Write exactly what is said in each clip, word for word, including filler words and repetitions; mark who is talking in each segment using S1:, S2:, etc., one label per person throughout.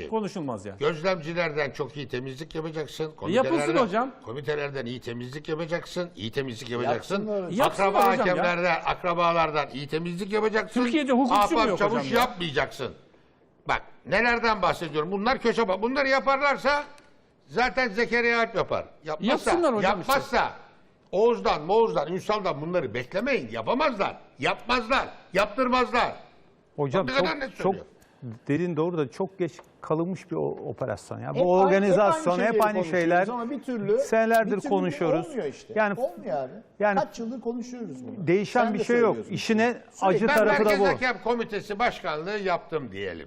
S1: konuşulmaz yani.
S2: Gözlemcilerden çok iyi temizlik yapacaksın.
S1: Yapılsın hocam.
S2: Komitelerden iyi temizlik yapacaksın. İyi temizlik yapacaksın.
S1: Yapsınlar
S2: Akraba
S1: hocam ya.
S2: hakemlerden, akrabalardan iyi temizlik yapacaksın.
S1: Türkiye'de hukukçu mu
S2: Ahbap
S1: yok
S2: çavuş
S1: hocam ya?
S2: yapmayacaksın. Bak nelerden bahsediyorum. Bunlar köşe bak. Bunları yaparlarsa zaten Zekeriya Alp yapar. Yapmazsa,
S1: Yapsınlar hocam
S2: yapmazsa Oğuz'dan, Moğuz'dan, Ünsal'dan bunları beklemeyin. Yapamazlar. Yapmazlar. Yaptırmazlar.
S3: Hocam
S2: Ne
S3: çok,
S2: kadar net
S3: çok
S2: söylüyor.
S3: derin doğru da çok geç kalınmış bir o- operasyon. Ya.
S4: Hep
S3: Bu
S4: aynı-
S3: organizasyon
S4: hep
S3: hep
S4: aynı
S3: aynı
S4: şeyleri
S3: şeyler.
S4: konuşuyoruz ama bir türlü
S3: senelerdir
S4: bir türlü
S3: konuşuyoruz.
S4: Olmuyor işte.
S3: Yani
S4: olmuyor abi.
S3: yani
S4: Kaç yıldır konuşuyoruz bunu.
S3: değişen
S4: Sen
S3: bir
S4: de
S3: şey yok.
S4: söylüyorsun.
S3: İşine
S4: Sürekli.
S3: acı
S2: Ben
S3: tarafı da
S2: Merkez
S3: bu.
S2: Hakem Komitesi Başkanlığı yaptım diyelim.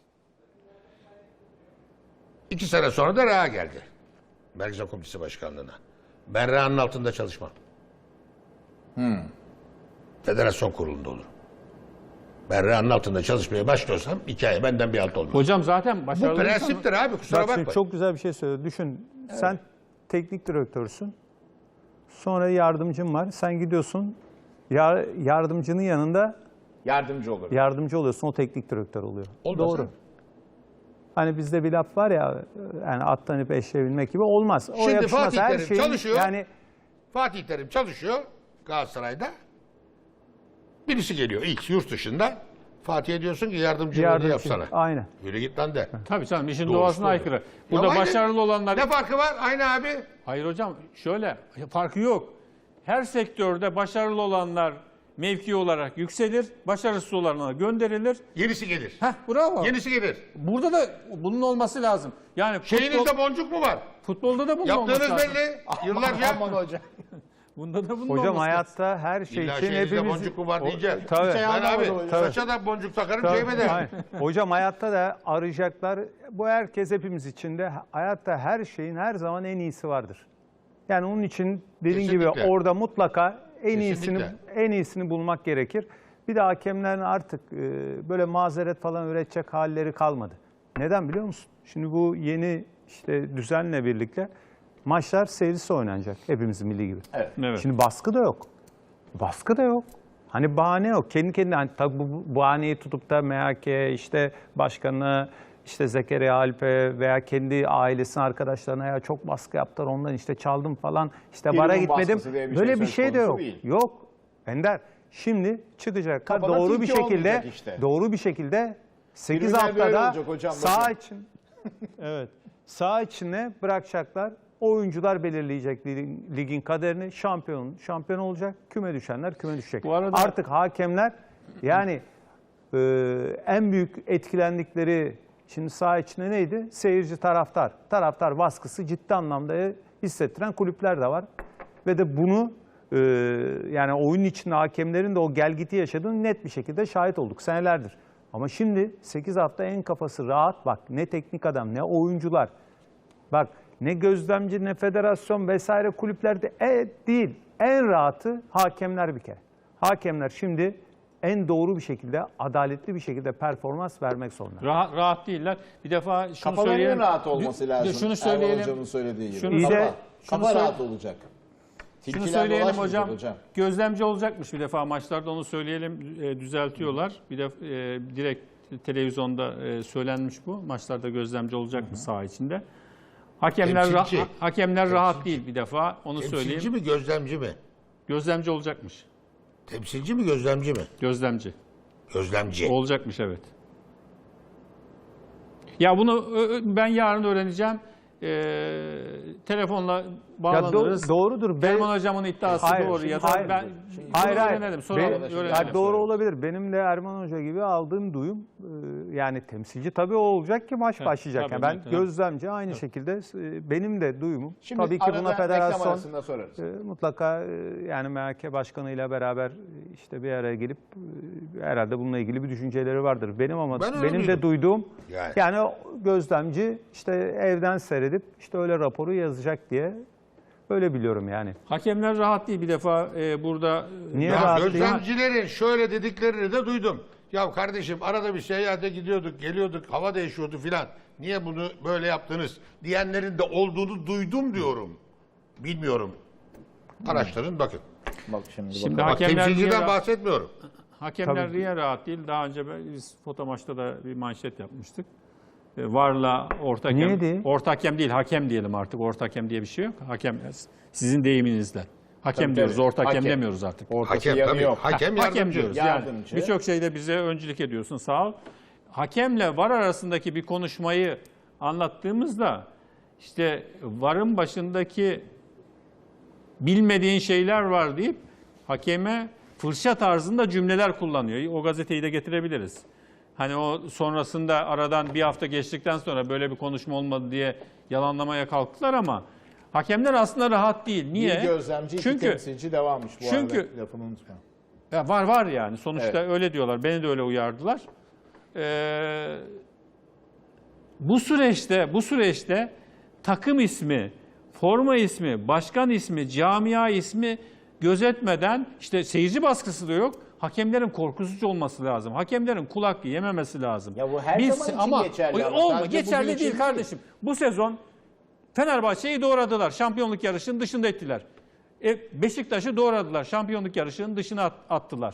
S2: İki sene sonra da Reha geldi. Merkez Hakem Komitesi Başkanlığı'na. Ben Reha'nın altında çalışmam.
S4: Hmm.
S2: Federasyon kurulunda olur. Ben Reha'nın altında çalışmaya başlıyorsam hikaye benden bir alt olmaz.
S1: Hocam zaten
S2: Bu
S1: başarılı insan-
S2: prensiptir abi, kusura
S3: Bak şimdi
S2: bakma.
S3: çok güzel bir şey söyledi. Düşün sen teknik direktörsün. Sonra yardımcın var. Sen gidiyorsun ya- yardımcının yanında
S4: Yardımcı olur.
S3: yardımcı oluyorsun. O teknik direktör oluyor.
S2: Olmaz
S3: Doğru.
S2: ha.
S3: Hani bizde bir laf var ya yani attan ipe eşeğebilmek gibi olmaz. O
S2: Şimdi
S3: yakışmaz.
S2: Fatih
S3: Her
S2: Terim
S3: şeyin
S2: çalışıyor.
S3: Yani
S2: Fatih Terim çalışıyor Galatasaray'da. Birisi geliyor ilk yurt dışında. Fatih'e diyorsun ki yardımcılığını
S3: yardımcı.
S2: yapsana.
S3: Aynen.
S2: Yürü git lan de.
S1: Tabii canım işin
S2: Doğrusu
S1: doğasına
S2: doğru.
S1: aykırı. Burada
S2: Ya aynı-
S1: başarılı olanlar...
S2: Ne farkı var? Aynı abi.
S1: Hayır hocam şöyle farkı yok. Her sektörde başarılı olanlar mevki olarak yükselir, başarısız olanlar gönderilir.
S2: Yenisi gelir.
S1: Heh bravo.
S2: Yenisi gelir.
S1: Burada da bunun olması lazım. Yani futbol,
S2: Şeyinizde boncuk mu var?
S1: futbolda da bunun olması
S2: Yaptığınız
S1: lazım.
S2: belli. Yıllarca.
S4: Aman hocam.
S1: Bunda da bunun
S3: Hocam
S1: olması lazım.
S3: hayatta her şey
S2: İlla
S3: için
S2: şeyinizde
S3: hepimiz...
S2: boncuk mu var diyeceğim.
S3: tabii.
S2: Ben abi
S4: Tabii.
S2: saça da boncuk takarım
S3: Tabii,
S2: cebime de.
S3: aynen. Hocam hayatta da arayacaklar. Bu herkes hepimiz için de hayatta her şeyin her zaman en iyisi vardır. Yani onun için dediğin gibi
S2: Kesinlikle.
S3: orada mutlaka en iyisini
S2: Kesinlikle.
S3: en iyisini bulmak gerekir. Bir de hakemlerin artık e, böyle mazeret falan üretecek halleri kalmadı. Neden biliyor musun? Şimdi bu yeni işte düzenle birlikte maçlar seyircisi oynanacak. Hepimizin milli gibi.
S1: Evet.
S3: Şimdi baskı da yok. Baskı da yok. Hani bahane yok. Kendi kendine hani tabii bu bu bahaneyi tutup da M H K işte başkanı işte Zekeriya Alp'e veya kendi ailesinin arkadaşlarına ya çok baskı yaptılar ondan işte çaldım falan işte
S4: Primun
S3: bara gitmedim.
S4: baskısı diye bir şey
S3: Böyle bir
S4: söz
S3: şey de
S4: konusu
S3: yok.
S4: değil.
S3: Yok. Ender şimdi çıkacaklar
S4: Kafada
S3: doğru bir
S4: tilki
S3: şekilde
S4: olmayacak işte.
S3: doğru bir şekilde sekiz
S4: Tribünler böyle
S3: haftada
S4: olacak hocam,
S3: sağ
S4: bakın.
S3: için evet sağ içine bırakacaklar. Oyuncular belirleyecek ligin, ligin kaderini. Şampiyon şampiyon olacak. Küme düşenler küme düşecek.
S1: Bu arada-
S3: Artık hakemler yani e, en büyük etkilendikleri şimdi saha içinde neydi? Seyirci taraftar. Taraftar baskısı ciddi anlamda hissettiren kulüpler de var. Ve de bunu e, yani oyun içinde hakemlerin de o gelgiti yaşadığını net bir şekilde şahit olduk senelerdir. Ama şimdi sekiz hafta en kafası rahat bak ne teknik adam ne oyuncular. Bak ne gözlemci ne federasyon vesaire kulüplerde e, değil. En rahatı hakemler bir kere. Hakemler şimdi en doğru bir şekilde, adaletli bir şekilde performans vermek zorunda.
S1: Rahat, rahat değiller. Bir defa şunu
S4: Kafalarının
S1: söyleyelim.
S4: rahat olması
S1: Dü-
S4: lazım.
S1: Şunu
S4: Erman
S1: söyleyelim.
S4: hocamın söylediği gibi.
S1: Şunu,
S3: İyi
S4: kafa,
S3: de-
S4: kafa
S1: şunu
S4: rahat
S1: söyle-
S4: olacak.
S1: Şunu
S4: Tilkiler
S1: söyleyelim
S4: dolaşmayacak
S1: hocam. Gözlemci olacakmış bir defa maçlarda onu söyleyelim. E, düzeltiyorlar. Bir de e, direkt televizyonda e, söylenmiş bu. Maçlarda gözlemci olacakmış saha içinde. Hakemler ra-
S2: Temsilci.
S1: hakemler rahat değil bir defa. Onu
S2: Temsilci
S1: söyleyeyim.
S2: mi gözlemci mi?
S1: Gözlemci olacakmış.
S2: Temsilci mi gözlemci mi?
S1: Gözlemci.
S2: Gözlemci.
S1: Olacakmış evet. Ya bunu ö- ö- ben yarın öğreneceğim. Ee, telefonla
S3: Ya
S1: bağlanırız.
S3: do- doğrudur. Ben-
S1: Erman hocamın iddiası
S3: Hayır,
S1: doğru ya da
S3: hayır.
S1: ben
S3: Hayır
S1: bunu
S3: hayır.
S1: öğrenelim. Soralım,
S3: Benim-
S1: öğrenelim.
S3: ya doğru olabilir. Benim de Erman Hoca gibi aldığım duyum e, yani temsilci tabii o olacak ki maç
S1: Tabii,
S3: başlayacak.
S1: tabii,
S3: Yani ben
S1: tabii.
S3: gözlemci aynı şekilde e, benim de duyumum.
S4: Şimdi
S3: tabii ki
S4: arada
S3: buna
S4: reklam
S3: federasyon
S4: arasında sorarız.
S3: e, mutlaka e, yani M H K başkanıyla beraber e, işte bir araya gelip e, herhalde bununla ilgili bir düşünceleri vardır. Benim ama
S2: Ben öyle
S3: benim de
S2: duydum.
S3: duyduğum
S2: Yani.
S3: yani o gözlemci işte evden seyredip işte öyle raporu yazacak diye öyle biliyorum yani.
S1: Hakemler rahat değil bir defa e, burada.
S3: Niye
S2: Ya
S3: rahat değil?
S2: gözlemcilerin şöyle dediklerini de duydum. Ya kardeşim arada bir seyahate gidiyorduk, geliyorduk, hava değişiyordu filan. Niye bunu böyle yaptınız diyenlerin de olduğunu duydum diyorum. Bilmiyorum. Araştırın bakın.
S4: Bak şimdi,
S1: Şimdi
S4: bakalım.
S2: Bak
S1: hakemler
S2: temsilciden
S1: niye-
S2: bahsetmiyorum.
S1: Hakemler
S3: Tabii.
S1: niye rahat değil? Daha önce biz foto maçta da bir manşet yapmıştık. E, Varla orta
S3: Niye
S1: hakem,
S3: değil?
S1: orta hakem değil, hakem diyelim artık. Orta hakem diye bir şey yok. Hakem sizin deyiminizle. Hakem
S4: Tabii,
S1: diyoruz,
S4: tabii.
S1: orta hakem,
S4: Hakem.
S1: demiyoruz artık.
S4: Ortası
S2: Hakem
S4: yanı
S2: tabii.
S4: yok.
S2: Hakem
S1: Hakem
S2: yardımcı.
S1: diyoruz. Yani
S4: Yardımcı.
S1: birçok şeyde bize öncülük ediyorsun, sağ ol. Hakemle var arasındaki bir konuşmayı anlattığımızda işte varın başındaki bilmediğin şeyler var deyip hakeme fırça tarzında cümleler kullanıyor. O gazeteyi de getirebiliriz. Hani o sonrasında aradan bir hafta geçtikten sonra böyle bir konuşma olmadı diye yalanlamaya kalktılar ama hakemler aslında rahat değil. Niye?
S4: Bir gözlemci, iki
S1: Çünkü
S4: temsilci devamış bu
S1: çünkü-
S4: arada. Lafını unutma.
S1: ya var var yani. Sonuçta
S4: Evet.
S1: öyle diyorlar. Beni de öyle uyardılar. Ee, bu süreçte bu süreçte takım ismi, forma ismi, başkan ismi, camia ismi gözetmeden işte seyirci baskısı da yok. Hakemlerin korkusuz olması lazım. Hakemlerin kulak yememesi lazım.
S4: Ya bu her zaman için
S1: ama,
S4: geçerli ama
S1: olma,
S4: sadece
S1: geçerli
S4: bugün için
S1: değil
S4: değil.
S1: kardeşim. Bu sezon Fenerbahçe'yi doğradılar. Şampiyonluk yarışının dışında ettiler. E, Beşiktaş'ı doğradılar. Şampiyonluk yarışının dışına at- attılar.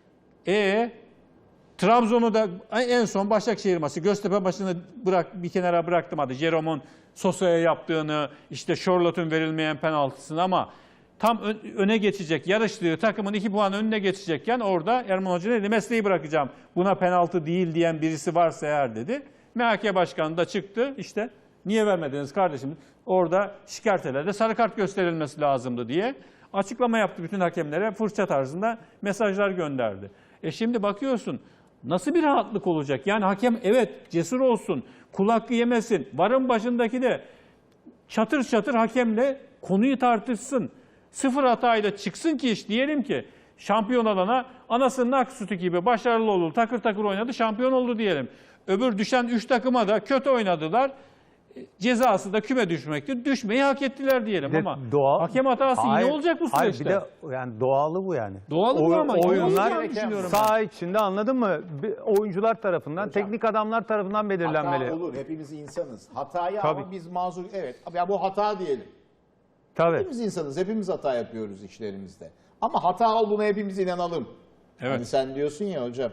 S1: E Trabzon'u da en son Başakşehir maçı Göztepe maçını bırak bir kenara bıraktım hadi. Jerome'un Sosa'ya yaptığını, işte Charlotte'un verilmeyen penaltısını ama tam ön- öne geçecek, yarıştığı takımın iki puan önüne geçecekken orada Erman Hoca dedi mesleği bırakacağım. Buna penaltı değil diyen birisi varsa eğer dedi. M H K Başkanı da çıktı işte niye vermediniz kardeşim? Orada şikayetlerle sarı kart gösterilmesi lazımdı diye açıklama yaptı bütün hakemlere fırça tarzında mesajlar gönderdi. E şimdi bakıyorsun nasıl bir rahatlık olacak? Yani hakem evet cesur olsun, kul hakkı yemesin, varın başındaki de çatır çatır hakemle konuyu tartışsın. Sıfır hatayla çıksın ki iş diyelim ki şampiyon olana anasının ak sütü gibi başarılı oldu, takır takır oynadı, şampiyon oldu diyelim. Öbür düşen üç takıma da kötü oynadılar. Cezası da küme düşmekti. Düşmeyi hak ettiler diyelim
S3: Bir de
S1: ama
S3: doğal-
S1: hakem hatası
S3: Hayır,
S1: yine olacak bu
S3: hayır,
S1: süreçte.
S3: bir de yani doğalı bu yani.
S1: Doğalı bu ama yine
S3: oyunlar
S1: olacağını düşünüyorum ben.
S3: saha içinde anladın mı? Bir oyuncular tarafından, teknik adamlar tarafından belirlenmeli.
S4: Hata olur. Hepimiz insanız. Hatayı
S3: Tabii.
S4: ama biz mazur. Evet. Ya bu hata diyelim.
S3: Tabii.
S4: Hepimiz insanız. Hepimiz hata yapıyoruz işlerimizde. Ama hata olduğuna hepimiz inanalım.
S1: Evet.
S4: Hani sen diyorsun ya hocam.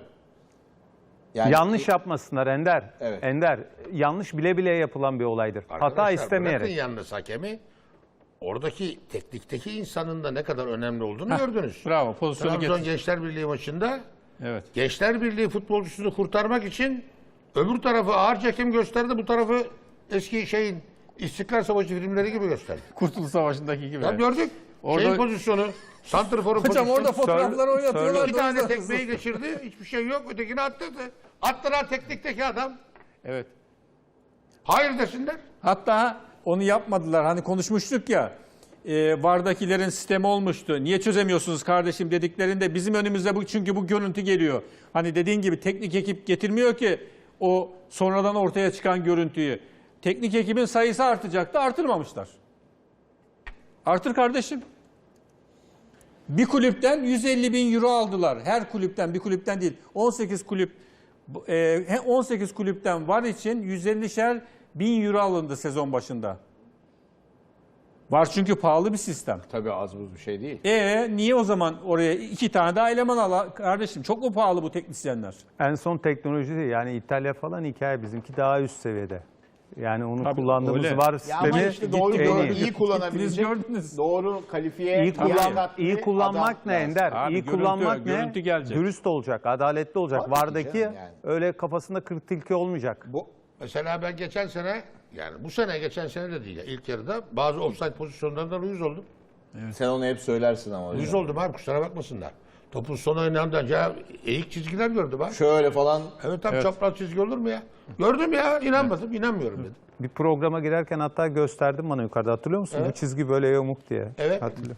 S4: Yani
S3: Yanlış yapmasınlar Ender.
S4: Evet.
S3: Ender, yanlış bile bile yapılan bir olaydır. Hata
S2: Arkadaşlar, bırakın
S3: istemeyerek.
S2: yalnız hakemi. Oradaki teknikteki insanın da ne kadar önemli olduğunu gördünüz.
S1: Bravo, pozisyonu
S2: Trabzon
S1: getir.
S2: Gençler Birliği maçında
S1: Evet.
S2: Gençler Birliği futbolcusunu kurtarmak için öbür tarafı ağır çekim gösterdi. Bu tarafı eski şeyin İstiklal Savaşı filmleri gibi gösterdi.
S1: Kurtuluş Savaşı'ndaki gibi.
S2: Ya gördük.
S1: Orada-
S2: Şeyin pozisyonu, santrforun
S1: Hocam
S2: pozisyonu.
S1: orada fotoğrafları
S3: Sör-
S1: oynatıyorlar.
S2: İki tane tekmeyi geçirdi. Hiçbir şey yok. Ötekini attırdı. Attıran teknikteki adam.
S1: Evet.
S2: Hayır desinler.
S1: Hatta onu yapmadılar. Hani konuşmuştuk ya. E, VAR'dakilerin sistemi olmuştu. Niye çözemiyorsunuz kardeşim dediklerinde bizim önümüzde bu çünkü bu görüntü geliyor. Hani dediğin gibi teknik ekip getirmiyor ki o sonradan ortaya çıkan görüntüyü. Teknik ekibin sayısı artacaktı, artırmamışlar. Artır kardeşim. Bir kulüpten yüz elli bin euro aldılar. Her kulüpten, bir kulüpten değil. on sekiz kulüp, e, on sekiz kulüpten VAR için yüz ellişer bin euro alındı sezon başında. VAR çünkü pahalı bir sistem.
S4: tabii az buz bir şey değil.
S1: E niye o zaman oraya iki tane daha eleman al kardeşim? Çok mu pahalı bu teknisyenler?
S3: En son teknoloji yani İtalya falan hikaye, bizimki daha üst seviyede. Yani onu
S1: Tabii,
S3: kullandığımız
S1: öyle.
S3: VAR
S4: Ya
S3: sistemi
S4: ama işte doğru
S3: en
S4: doğru
S3: iyi.
S4: iyi kullanabilecek,
S1: gördünüz.
S4: doğru kalifiye,
S3: İyi, kullan,
S4: liyakatli
S3: iyi kullanmak
S4: adam
S3: ne
S4: lazım.
S3: Ender?
S1: Abi
S3: iyi
S1: görüntü-
S3: kullanmak ne?
S1: görüntü gelecek.
S3: Dürüst olacak, adaletli olacak.
S4: Tabii ki
S3: VAR'daki
S4: canım yani.
S3: öyle kafasında kırk tilki olmayacak.
S2: Bu mesela ben geçen sene yani bu sene geçen sene de değil ya, ilk yarıda bazı offside pozisyonlarında uyuz oldum.
S4: Sen onu hep söylersin ama hocam.
S2: Uyuz oldum abi, kusura bakmasınlar. Topun son oynandığında ya eğik çizgiler gördüm abi.
S4: Şöyle falan
S2: Evet tam çapraz çizgi olur mu ya? Gördüm ya, inanmadım, inanmıyorum dedim.
S3: Bir programa girerken hatta gösterdim bana yukarıda, hatırlıyor musun?
S2: Evet.
S3: Bu çizgi böyle yamuk diye.
S2: Evet.
S3: Hatırlıyorum.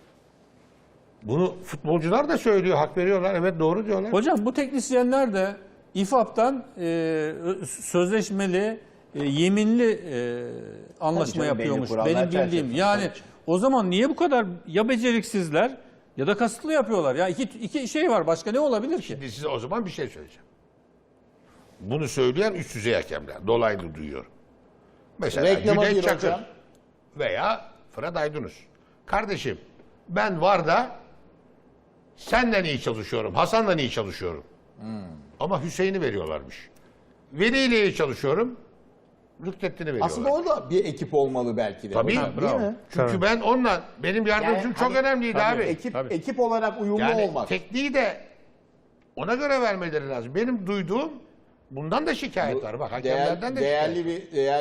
S2: Bunu futbolcular da söylüyor, hak veriyorlar. Evet doğru diyorlar.
S1: Hocam bu teknisyenler de İFAB'dan e, sözleşmeli, e, yeminli e, anlaşma
S4: canım, belli
S1: yapıyormuş.
S4: kurallar
S1: Benim bildiğim.
S4: çerçevesinde.
S1: Yani
S4: Tabii ki.
S1: o zaman niye bu kadar ya beceriksizler ya da kasıtlı yapıyorlar? Ya iki, iki şey var. Başka ne olabilir ki?
S2: Şimdi size o zaman bir şey söyleyeceğim. Bunu söyleyen üst düzey hakemler. Dolaylı duyuyor. Mesela
S4: Reklama
S2: Cüneyt
S4: gir
S2: Çakır
S4: hocam.
S2: veya Fırat Aydınus. Kardeşim ben VAR'da senden iyi çalışıyorum, Hasan'la iyi çalışıyorum. Ama Hüseyin'i veriyorlarmış. Veli ile iyi çalışıyorum, rüknettiğini veriyorlar.
S4: Aslında orada bir ekip olmalı belki de.
S2: Tabii.
S4: hocam, değil
S1: Bravo.
S4: mi?
S2: Çünkü
S3: Tabii.
S2: ben onunla, benim yardımcım
S4: Yani
S2: çok
S4: hani-
S2: önemliydi
S1: Tabii.
S2: abi.
S4: Ekip
S1: Tabii.
S4: ekip olarak uyumlu
S2: Yani
S4: olmak.
S2: tekniği de ona göre vermeleri lazım. Benim duyduğum bundan da şikayet var. Bak
S4: Değer-
S2: hakemlerden de şikayet var.
S4: değerli bir değerli